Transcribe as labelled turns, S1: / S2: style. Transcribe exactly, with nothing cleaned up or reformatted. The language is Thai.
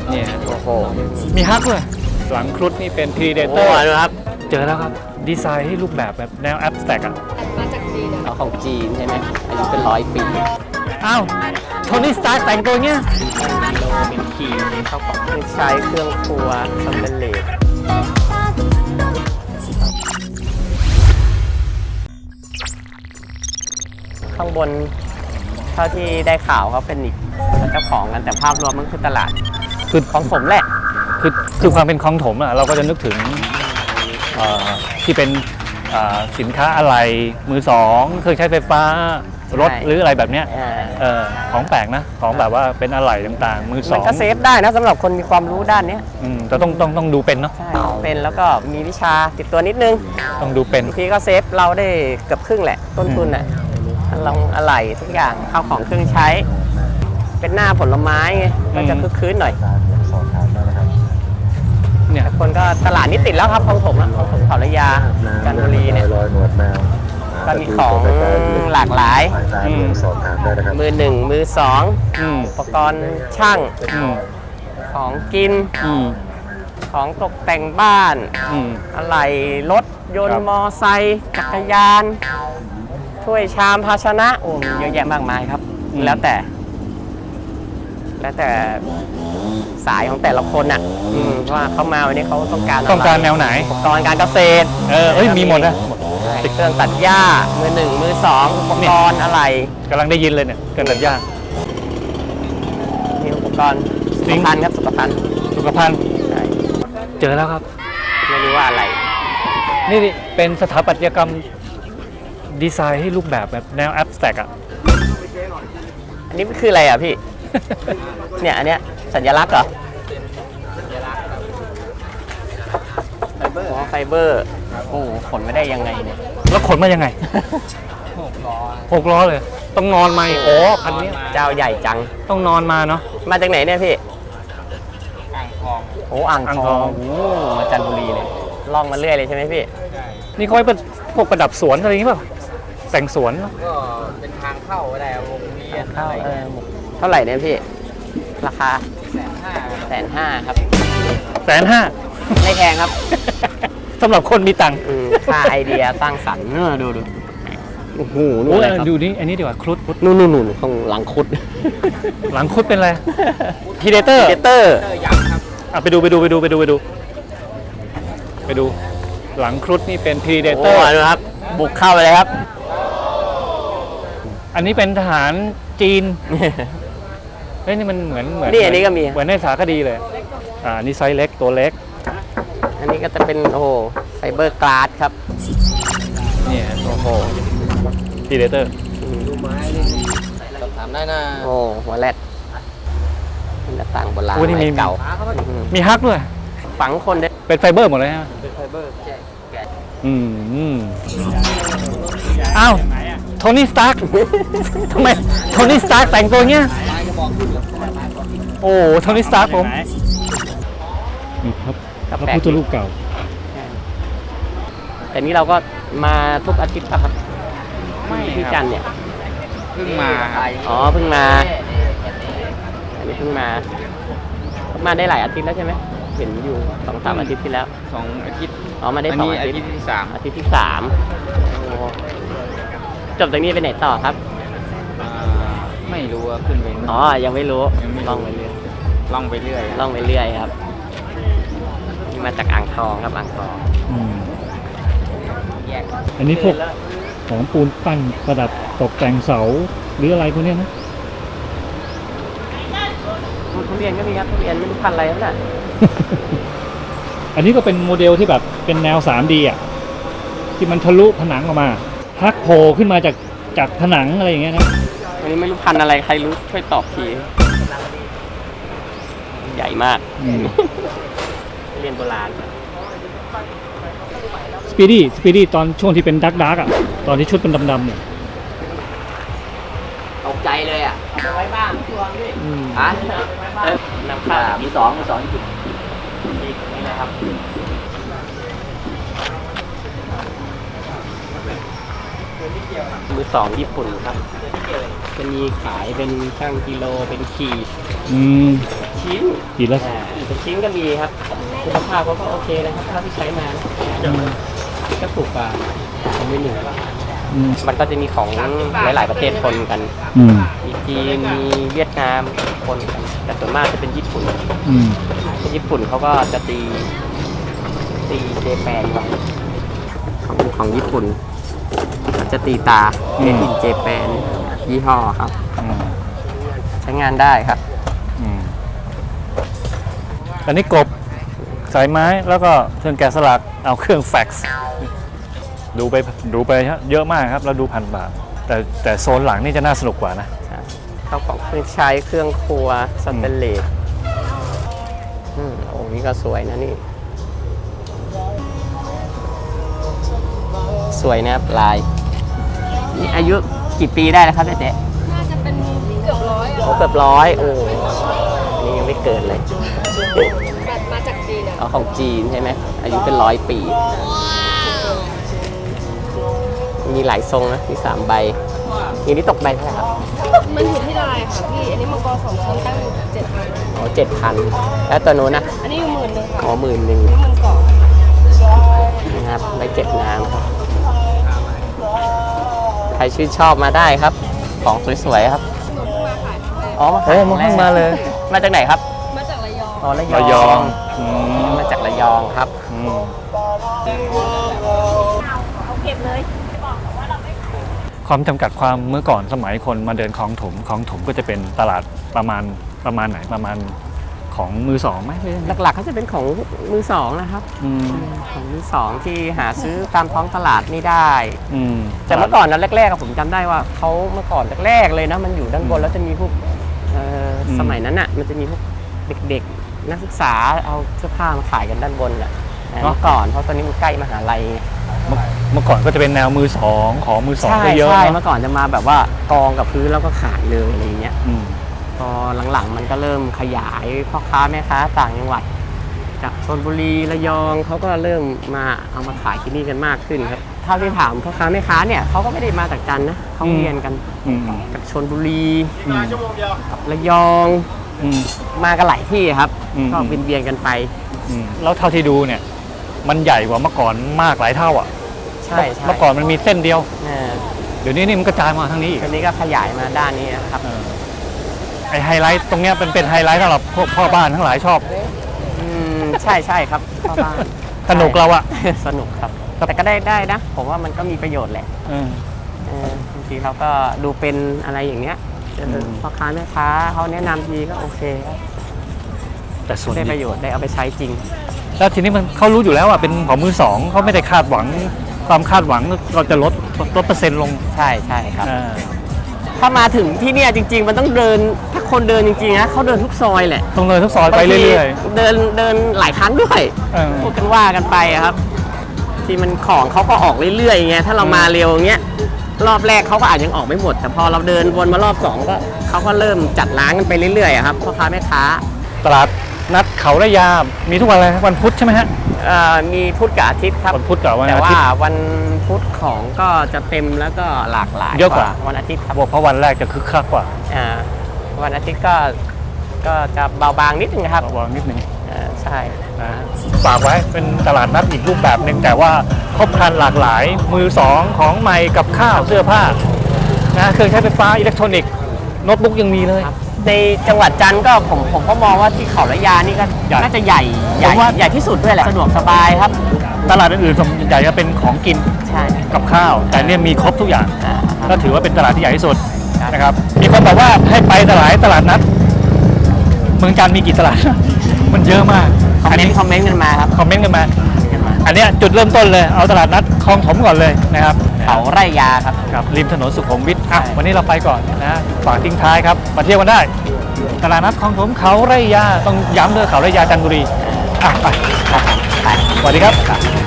S1: เนี่ย
S2: โอ้โห
S1: มีฮักด้วยหลังครุฑนี่เป็น
S2: โอ้
S1: Predator
S2: โหนะครับ
S1: เจอแล้วครับ ดีไซน์ให้รูปแบบแบบแนวแอ b สแต็กอ่ะ
S3: มาจากจีนอะ
S2: เอาของจีนใช่ไหมอายุเป็นร้อยปี
S1: อ้าวโทนี่สตาร์แต่งตัวเงี้ย
S2: โลเป็นขีดเข้าของเครื่องใช้เครื่องครัวสแตนเลสข้างบนเท่าที่ได้ข่าวเขาเป็นอีกเจ้าของกันแต่ภาพรวมมันคือตลาด
S1: คือ
S2: ของผมแหละ
S1: คือคือความเป็นคลองถมอ่ะเราก็จะนึกถึงเอ่อที่เป็นเอ่อสินค้าอะไรมือสองเครื่องใช้ไฟฟ้ารถหรืออะไรแบบเนี้ย
S2: เออ
S1: เออของแปลกนะของแบบว่าเป็นอะไหล่ต่างๆ มือส
S2: มั
S1: อน ง
S2: ก็เซฟได้นะสำหรับคนมีความรู้ด้านนี้
S1: อืมแต่ต้องต้องต้องดูเป็นเนาะ
S2: ใช่เป็นแล้วก็มีวิชาติดตัวนิดนึง
S1: ต้องดูเป็น
S2: บางทีก็เซฟเราได้เกือบครึ่งแหละ ต้นทุนอ่ะลองอะไหล่ทุกอย่างข้าวของเครื่องใช้ เป็นหน้าผลไม้ไงก็จะคึกคืนหน่อย
S1: เนี่ย
S2: คนก็ตลาดนี้ติดแล้วครับของผมอะของผมเขาระยาจันทบุรีเนี่ย
S4: รอยหนวดแมว
S2: ก็มีของหลากหลาย
S1: อืม
S4: สอบถามได้นะครับ
S2: มือหนึ่งมือสอง
S1: อืม
S2: อุปกรณ์ช่าง
S1: อืม
S2: ของกิน
S1: อืม
S2: ของตกแต่งบ้าน
S1: อืม
S2: อะไหล่รถยน
S1: ครั
S2: ต์
S1: บ
S2: มอไซค์จักรยานถ้วยชามภาชนะโอ้มีเยอะแยะมากมายครับ แล้วแต่ แล้วแต่สายของแต่ละคนอ่ะอืมว่าเขามาวันนี้เขาต้องการะไ
S1: ต้องการแนวไหน
S2: อุปกรณ์การเกษตร
S1: เออเอ้ยมีหมดนะ
S2: ใช่เครื่องตัดหญ้ามือหนึ่งมือสองอุปกรณ์อะไร
S1: กำลังได้ยินเลยเนี่ยเกินตัดยาก
S2: มีอุปกรณ์สุ
S1: จริ
S2: ข
S1: ง
S2: ภัณฑ์ครับสุขภัณฑ์
S1: สุขภัณฑ์
S2: ใช่
S1: เจอแล้วครับ
S2: ไม่รู้ว่าอะไร
S1: นี่นี่เป็นสถาปัตยกรรมดีไซน์ให้รูปแบบแบบแนวแอ b สแต็กอ่ะ
S2: อันนี้คืออะไรอ่ะพี่ เนี่ยอันเนี้ยสัญลักษณ์เหรอไฟเบอร์ไฟเบอร์โอ้โหขนไม่ได้ยังไงเนี่ย
S1: แล้วขนมายังไงหกล้อหกล้อเลย ต้องนอนมาอีกโอ้คันนี้
S2: เจ้าใหญ่จัง
S1: ต้องนอนมาเนาะ
S2: มาจากไหนเนี่ยพี่ อ่างทอง โอ้อ่าง
S1: อ่าง
S2: ท
S1: ท
S2: อ
S1: อง ง
S2: โอ้มาจันทบุรีเลย ล่องมาเรื่อยเลยใช่ไหมพี่
S1: นี่เขาไว้เป็นพวกประดับสวนอะไรอย่างงี้เปล่าแต่งสวนเนอะ
S5: ก็เป็นทางเข้าก็ได้วงเวียน
S2: เข้าเออเท่าไหร่เนี่ยพี่ ราคา
S5: แสนห้า
S2: แสนห้าครับ
S1: แสนห้า
S2: ไม่แพงครับ
S1: สำหรับคนมีตังค์
S2: อืมค่าไอเดียสร้างสรรค์เนอะดูดูโอ้โหนู่น
S1: โอ้
S2: อะไร
S1: ย
S2: ครับ
S1: ดูนี่อันนี้ดีกว่าครุฑ
S2: นู่นนู่นนู่นข้างหลังคุด
S1: หลังครุฑเป็นอะไรพีเดเตอร์
S2: เดเตอร์
S5: เตอร์ยักษ์ครับ
S1: อ่ะไปดูไปดูไปดูไปดูไปดู ไปดู หลังครุฑนี่เป็น
S2: โอ้
S1: Predator
S2: ดูครับ บุกเข้าไปเลยครับ
S1: อันนี้เป็นทหารจีน เฮ้ยนี่มันเหมือนเหมือน
S2: นี่อันนี้ก็มี
S1: เหมือนในสารคดีเลย อ่านี่ไซส์เล็กตัวเล็ก
S2: อันนี้ก็จะเป็นโอ้โหไฟเบอร์กลาสครับ
S1: เนี่ยโอ้โห Predator
S5: สอบถามได้นะ
S2: โอ้หัวแรดเป็นหน้าต่างโบราณ
S1: โอ้นี่มี
S2: ไม้เก่า อืม
S1: มีฮักด้วย
S2: ฝังคนได้
S1: เป็นไฟเบอร์หมดเลยฮะ
S5: เป็นไฟเบอร์แจกแกะ
S1: อืมอืมอ้าวโทนี่สตาร์ ทำไมโทนี่สตาร์แต่งตัวเงี้ย
S5: ลายกระบอกขึ้นแล้วลายกระบอกขึ้น
S1: โอ้โทนี่สตาร์ผมนี่ครับ
S2: ครับ
S1: พระพุทธรูปเก่า
S2: แต่นี้เราก็มาทุกอาทิตย์ป่ะครับที่จันทร์เนี่ย
S5: เพิ่งมาครับ
S2: อ๋อเพิ่งมา อันนี้เพิ่งมาเพิ่งมาได้หลายอาทิตย์แล้วใช่ไหมเห็นอยู่สองสามอาทิตย์ที่แล้ว
S5: สองอาทิตย์
S2: อ๋อมาได้
S5: อัน
S2: สอง
S5: นี้
S2: อา
S5: อา
S2: ทิต
S5: ทิ
S2: ย์
S5: ตย์ที่สาม
S2: อาทิตย์ที่สามโอ้จบจากนี้ไปไหนต่อครับ
S5: อ่าไม่รู้ว่าขึ้นไป
S2: อ๋อ ยังไม่รู้
S5: ยังไม่รู้
S2: ล่องไปเรื่อย
S5: ล่องไปเรื่อย
S2: ล่องไปเรื่อยครับนี่มาจากอ่างทองครับอ่างทอง
S1: อืม
S2: แยก
S1: อันนี้พวกของปูนปั้นประดับตกแต่งเสาหรืออะไรพวกเนี้ยนะ
S2: ทุเรียนก็มีครับทุเรียนไม่รู้พันธุ์อะไรนั่นน่ะ
S1: อันนี้ก็เป็นโมเดลที่แบบเป็นแนว ทรีดี อ่ะ ที่มันทะลุผนังออกมาฮักโผล่ขึ้นมาจากจากผนังอะไรอย่างเงี้ยนะ
S2: อันนี้ไม่รู้พันธุ์อะไรใครรู้ช่วยตอบทีใหญ่มาก
S1: อืม
S2: ทุเรียนโบราณ
S1: สปีดี้สปีดี้ตอนช่วงที่เป็นดักดักอ่ะ ตอนที่ชุดเป็นดำๆเนี่ย
S2: ตกใจเลยอ่ะเอาไว้บ้างช่วงนี้
S1: อืม
S2: ฮะเอ้ยนำเข้ามีสองมีสองจุดนี่นะครับมือสองญี่ปุ่นครับจะมีขายเป็นช่างกิโลเป็นขีด
S1: อืม
S2: ขชิ้น
S1: กี่ละ
S2: อ่าเป็นชิ้นก็มีครับคุณภาพเขาก็โอเคนะครับเท่าที่ใช้มานะก็ถูกกว่าของมือหนึ่ง
S1: อืม
S2: มันก็จะมีของหลาย ๆ ประเทศปนกัน
S1: อืม
S2: มีจีน มีเวียดนามปนกัน แต่ส่วนมากจะเป็นญี่ปุ่น
S1: อืม
S2: ญี่ปุ่นเขาก็จะตีตีเจแปนไว้ของของญี่ปุ่นเขาจะตีตา
S1: อื
S2: เม
S1: ม
S2: ดินเจแปนยี่ห้อครับ
S1: อืม
S2: ใช้งานได้ครับ
S1: อืมอันนี้กบสายไม้แล้วก็เครื่องแกะสลักเอาเครื่องแฟกซ์ดูไปดูไปเยอะมากครับแล้วดูพันบาทแต่แต่โซนหลังนี่จะน่าสนุกกว่านะ
S2: เข้าของเครื่องใช้เครื่องครัวสเตนเลสอืมโอ้นี่ก็สวยนะนี่ สวยนะครับลายนี่อายุกี่ปีได้แล้วครับเจ๊
S3: น่าจะเป็นเกือบร้อย
S2: โอ้
S3: อ่ะ
S2: เกือบร้อยโอ้อันนี้ยังไม่เกินเลย
S3: แบบมาจากจีนอ่ะ
S2: เอาของจีนใช่ไหมอายุเป็นร้อยปี มีหลายทรงนะมีสามใบอย่างนี้ตกใบเท่าไหร่ครับ
S3: มันอยู่ที่ลายค่ะพี่ อันนี้มังกรสองชั้นตั้งอยู่เจ็ดพัน
S2: อ๋อเจ็ดพันแล้วตัวโน้นนะ
S3: อันนี้อยู่หมื่นหนึ่งค่ะ
S2: อ๋อหมื่นหนึ่ง
S3: อันนี้หมื่นสอง
S2: นะครับใบเจ็ดน้ำครับใครชื่นชอบมาได้ครับ ของสวยๆครับ
S3: หนูเพิ่งมาขายครั้งแรก
S2: อ๋อมา
S1: เฮ้ยมาเพิ่งมาเลย
S2: มาจากไหนครับ
S3: มาจากระยอง
S2: อ๋อระย
S1: ระย
S2: อ
S1: อง งอืม
S2: มาจากระยองครับ
S1: อืม
S3: เอาเก็บเลย
S1: ความจำกัดความเมื่อก่อนสมัยคนมาเดินคลองถมคลองถมก็จะเป็นตลาดประมาณประมาณไหนประมาณของมือสองไหมหรือ
S2: หลักๆก็จะเป็นของมือสองนะครับ
S1: อืม
S2: ของมือสองที่หาซื้อตามท้องตลาดไม่ได้
S1: อืม
S2: แต่เมื่อก่อนนะแรกๆอะผมจำได้ว่าเขาเมื่อก่อนแรกๆเลยนะมันอยู่ด้านบนแล้วจะมีพวกเอ่ออ
S1: ม
S2: สมัยนั้นอ่ะมันจะมีพวกเด็กๆนักศึกษาเอาเสื้อผ้ามาขายกันด้านบนแหละเมื่อก่อนเพราะตอนนี้มันใกล้มหาลัยไง
S1: เมื่อเมื่อก่อนก็จะเป็นแนวมือสองของมือสอง
S2: ใช่
S1: ก็เยอะ
S2: ใช่
S1: เน
S2: เมื่
S1: อะ
S2: อก่อนจะมาแบบว่ากองกับพื้นแล้วก็ขายเลยอะไรเงี้ย
S1: อืม
S2: พอหลังๆมันก็เริ่มขยายพ่อค้าแม่ค้าต่างจังหวัดจากชลบุรีระยองเขาก็เริ่มมาเอามาขายที่นี่กันมากขึ้นครับเท่าที่ถามพ่อค้าแม่ค้าเนี่ยเขาก็ไม่ได้มาจากจันทร์นะเขาเรียนกัน
S1: อืม
S2: จากชลบุรี
S1: อืม
S2: ระยอง
S1: อืม
S2: มากันหลายที่ครับ
S1: อืม
S2: ก็เวียนเวียนๆกันไป
S1: อืมแล้วเท่าที่ดูเนี่ย มันใหญ่กว่าเมื่อก่อนมากหลายเท่าอ่ะ
S2: ใช่ใช่
S1: เมื่อก่อนมันมีเส้นเดียว
S2: เออ
S1: เดี๋ยวนี้นี่มันกระจายมาทางนี้อีก
S2: ตอนนี้ก็ขยายมาด้านนี้นะครับ
S1: เออไอไฮไลท์ตรงเนี้ยเป็นเป็นไฮไลท์สำหรับพวกพ่อบ้านทั้งหลายชอบ
S2: อืมใช่ใช่ครับพ่อบ้าน
S1: สนุกเราอะ
S2: สนุกครับ แต่ก็ได้ได้นะ ผมว่ามันก็มีประโยชน์แหละ
S1: เออ
S2: เออบางทีเราก็ดูเป็นอะไรอย่างเงี้ยเออ
S1: ม
S2: พ่อค้าแม่ค้าเขาแนะนำทีก็โอเคครับ
S1: แต่ส่วน
S2: ได้ป
S1: ใหญ่
S2: ระโยชน์ได้เอาไปใช้จริง
S1: แล้วทีนี้มันเขารู้อยู่แล้วว่าเป็นของมือสองเขาไม่ได้คาดหวัง ความคาดหวังเราจะลดลดเปอร์เซ็นต์ลง
S2: ใช่ใช่ครับ
S1: อ่า
S2: ถ้ามาถึงที่เนี่ยจริง ๆ มันต้องเดินถ้าคนเดินจริงๆนะเขาเดินทุกซอยแหละ
S1: ตรงเลยทุกซอยไปเรื่อย
S2: ๆเดินเดินหลายครั้งด้วย
S1: ๆเออ
S2: พูดกันว่ากันไปอะครับ ที่มันของเขาก็ออกเรื่อยๆไงถ้าเรามาเร็วอย่างเงี้ยรอบแรกเขาก็อาจยังออกไม่หมด แต่พอเราเดินวนมารอบสองก็เขาก็เริ่มจัดร้านกันไปเรื่อยๆอะครับพ่อค้าแม่ค้า
S1: ตลาดนัดเขาระยา มีทุกวันอะไรวันพุธใช่ไหมฮะ
S2: เอ่อมีพุธกับอาทิตย์ครับ
S1: วันพุธกับวัน
S2: แต่
S1: อา
S2: ว่า
S1: ทิตย์
S2: วันพุธของก็จะเต็มแล้วก็หลากหลาย
S1: เยอะกว่า
S2: วันอาทิตย์ครับ
S1: บอกเพราะวันแรกจะคึกคักกว่า
S2: อ่าวันอาทิตย์ก็ก็จะเบาบางนิดนึงครับ
S1: ระวังนิดนึง
S2: อ่าใช่
S1: นะฮะฝากไว้เป็นตลาดนัดอีกรูปแบบหนึ่งแต่ว่าครบครันหลากหลายมือสองของใหม่กับข้าวเสื้อผ้านะเครื่องใช้ไฟฟ้าอิเล็กทรอนิกส์โน้ตบุ๊กยังมีเลย
S2: ในจังหวัดจันทร์ก็ผมผมก็มองว่าที่เขาระยานี่ก็
S1: ใหญ่
S2: น่าจะใหญ่ใหญ่
S1: ผมว่า
S2: ใหญ่ที่สุดด้วยแหละสะดวกสบายครับ
S1: ตลาดอื่นๆส่วนใหญ่จะเป็นของกิน
S2: ใช่
S1: กับข้าว แต่เนี่ยมีครบทุกอย่าง
S2: อ่า
S1: ก็ถือว่าเป็นตลาดที่ใหญ่ที่สุด
S2: ครับ
S1: นะครับมีคนบอกว่าให้ไปตลาดตลาดนัดเมืองจันทร์มีกี่ตลาด มันเยอะมาก
S2: คอม
S1: อัน
S2: เมน
S1: นี้
S2: ต์คอมเมนต์กันมาครับ
S1: คอมเมนต์กันมา
S2: คอมเมนต์กันมา
S1: อันเนี้ยจุดเริ่มต้นเลยเอาตลาดนัดคลองถมก่อนเลยนะครับ
S2: เขาไร่ยาครับ
S1: ครับริมถนนสุขุมวิทอ่ะ
S2: ใช่
S1: วันนี้เราไปก่อนนะฝากทิ้งท้ายครับมาเที่ยวกันได้ ตลาดนัดคลองถมเขาไร่ยาต้องย้ำเลยเขาไร่ยาจันทบุรีอ่ะไป
S2: ครับไป
S1: สวัสดีครับ